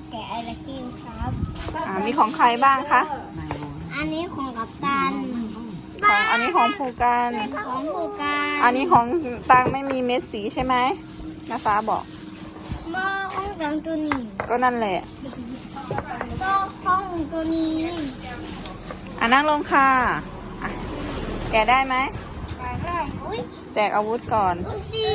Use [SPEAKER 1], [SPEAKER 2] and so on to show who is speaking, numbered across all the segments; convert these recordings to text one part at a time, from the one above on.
[SPEAKER 1] แกะไอศครีมครับ
[SPEAKER 2] มีของใครบ้างคะ
[SPEAKER 1] อันนี้ของกัปตัน
[SPEAKER 2] อันนี้ของภูการ
[SPEAKER 1] ของผูการ
[SPEAKER 2] อันนี้ของตังไม่มีเม็ดสีใช่ไหมน้าฟ้าบอก
[SPEAKER 1] หม้อของกังตัวนี้
[SPEAKER 2] ก็นั่นแหละ
[SPEAKER 1] โต๊ะของตัวนี้
[SPEAKER 2] นั่งลงค่ะอ่ะแกะได้ไหม
[SPEAKER 1] ไปได้อุ้ย
[SPEAKER 2] แจกอาวุธก่อน
[SPEAKER 1] ดูสิ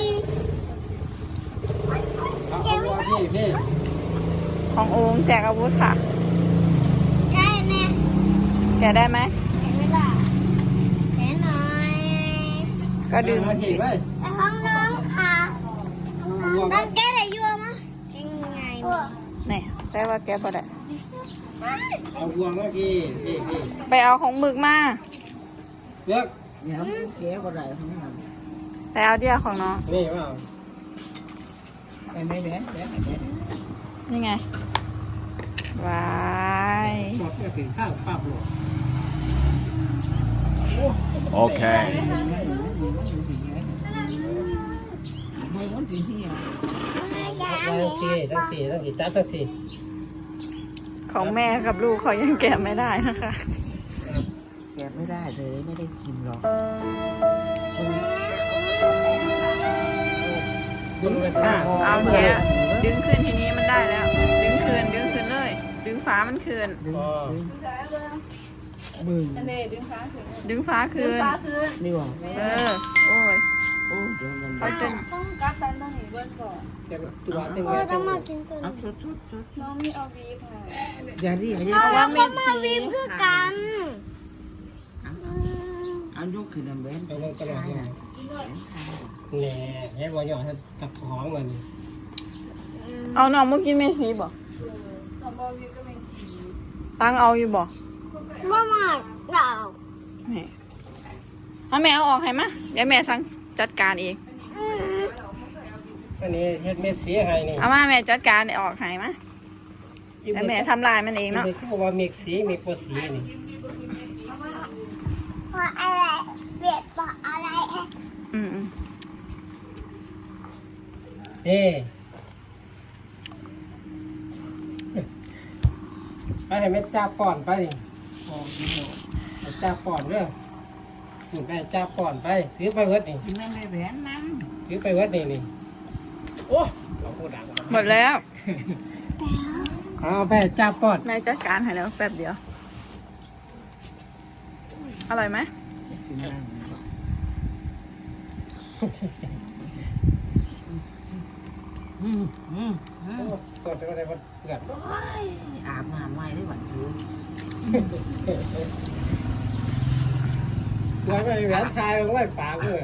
[SPEAKER 3] พี่
[SPEAKER 2] ของโองแจกอาวุธค่ะ
[SPEAKER 1] ได้แน่
[SPEAKER 2] แกะได้ไหม
[SPEAKER 1] เห็นไหมล่ะเห็นหน่อย
[SPEAKER 2] ก็ดึง
[SPEAKER 3] มา
[SPEAKER 2] สิ
[SPEAKER 3] ถีบไว้
[SPEAKER 1] แต่ห้องน้องค่ะต้องแก้อะไรยั่วมั้ยยังไง
[SPEAKER 2] นี่ใช่ว่าแกะพอได้
[SPEAKER 3] เอาบวงมาพี่
[SPEAKER 2] ไปเอาของหมึกมา
[SPEAKER 3] เลือก
[SPEAKER 4] Nhắm kéo có rời không làm
[SPEAKER 2] ไปเอาเดียวของน้อง
[SPEAKER 3] นี่ว่า
[SPEAKER 4] em bé bé bé bé
[SPEAKER 2] นี่ไงวาย
[SPEAKER 3] หมดก็ถึงข้าวป้าบหลวง
[SPEAKER 5] Okay.
[SPEAKER 4] hơi muốn chuyện gì à
[SPEAKER 3] ทั้งสี่จับทั้งสี่
[SPEAKER 2] ของแม่กับลูกเขายังแกะไม่ได้นะคะ
[SPEAKER 4] kẹp mới ra rồi mới đây chìm rồi
[SPEAKER 3] ดึงกระชาก
[SPEAKER 2] เอาแกะดึงขึ้นทีนี้มันได้แล้ว ดึงคืนเลย ดึงฟ้ามันคืน
[SPEAKER 4] đứng đứng mừng
[SPEAKER 2] ดึงฟ้าคืน
[SPEAKER 4] đi vào
[SPEAKER 2] โอ้ย
[SPEAKER 4] ôi trời mình
[SPEAKER 2] เขาจะ
[SPEAKER 3] ตัวตึง
[SPEAKER 1] เออต้องมากินตัวนี้
[SPEAKER 4] áp sốt sốt sốt giờ đi ở
[SPEAKER 1] เอา
[SPEAKER 4] đây
[SPEAKER 1] แล้วก็มาวิมคือกัน
[SPEAKER 4] anh giúp thì làm bé
[SPEAKER 3] ไปลงตลอด
[SPEAKER 4] hai
[SPEAKER 3] เลย
[SPEAKER 4] này
[SPEAKER 3] แหน่ให้บอลหยอดกับของมันนี่
[SPEAKER 2] เอาน้องมากินเมสีบ่ตังเอาอยู่บ่
[SPEAKER 1] มามาเรา
[SPEAKER 2] นี่เอาแม่เอาออกให้มาเดี๋ยวแม่สั่งจัดการเอง
[SPEAKER 3] อันนี้เฮ็ดเม็ดสีให้นี่
[SPEAKER 2] เอามาแม่จัดการออกให้มาแต่แม่ทำลายมันเองเนาะ
[SPEAKER 3] นี่เขาว่าเม็ดสีเม็ดบ่สีนี่
[SPEAKER 1] เพราะอะไรเบียดเพราะอะไร
[SPEAKER 2] อืม
[SPEAKER 3] นี่ไปให้เม็ดจ้าป่อนไปนี่จ้าป่อนเด้อนี่ไปจ้าป่อนไปซื้อไปเวิร์ดนี่
[SPEAKER 4] thì mấy bé bé nắm
[SPEAKER 3] ซื้อไปเวิร์ดนี่โอ้เราพูดดัง
[SPEAKER 2] หมดแล้ว
[SPEAKER 3] เอาไปจ้าป่อน
[SPEAKER 2] แม่จัดการให้แล้วแป๊บเดียวอร่อยไหม
[SPEAKER 4] thì làm
[SPEAKER 3] ก่อนจะได้มันเกิด
[SPEAKER 4] ạp mà mày đấy bạn chú
[SPEAKER 3] ไว้ไม่แหวนชายไว้ปากเลย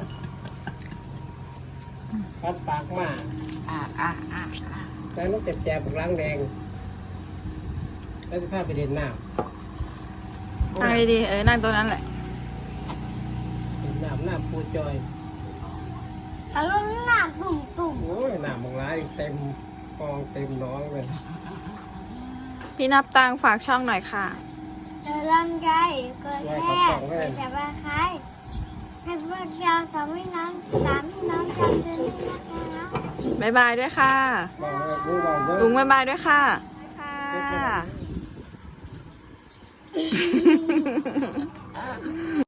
[SPEAKER 3] ปัดปากมา
[SPEAKER 4] à
[SPEAKER 3] แล้วต้องเจ็บแจบล้างแดงแล้วจะพาไปเด่นหน้า
[SPEAKER 2] นั่งดีๆนั่งตัวนั้นแหละ
[SPEAKER 3] เด่นหน้าหน้าปูจอย
[SPEAKER 1] แต่ลูกหนักตุ่มตุ่ม
[SPEAKER 3] โอ้ยหน้ามึงร้ายเต็มกองเต็มน้องเลย
[SPEAKER 2] พี่นับตังฝากช่องหน่อยค่ะ
[SPEAKER 1] เดินลำไยเกิดแค่เกิดจากใบไม้ให้พวกเราสามพี่น้องจำเดือนนี้นะคะ
[SPEAKER 2] บ๊ายบายด้วยค่ะ
[SPEAKER 3] บอกเลยรู้บอกเลย
[SPEAKER 2] ลุงบ๊ายบายด้วยค่ะค่ะ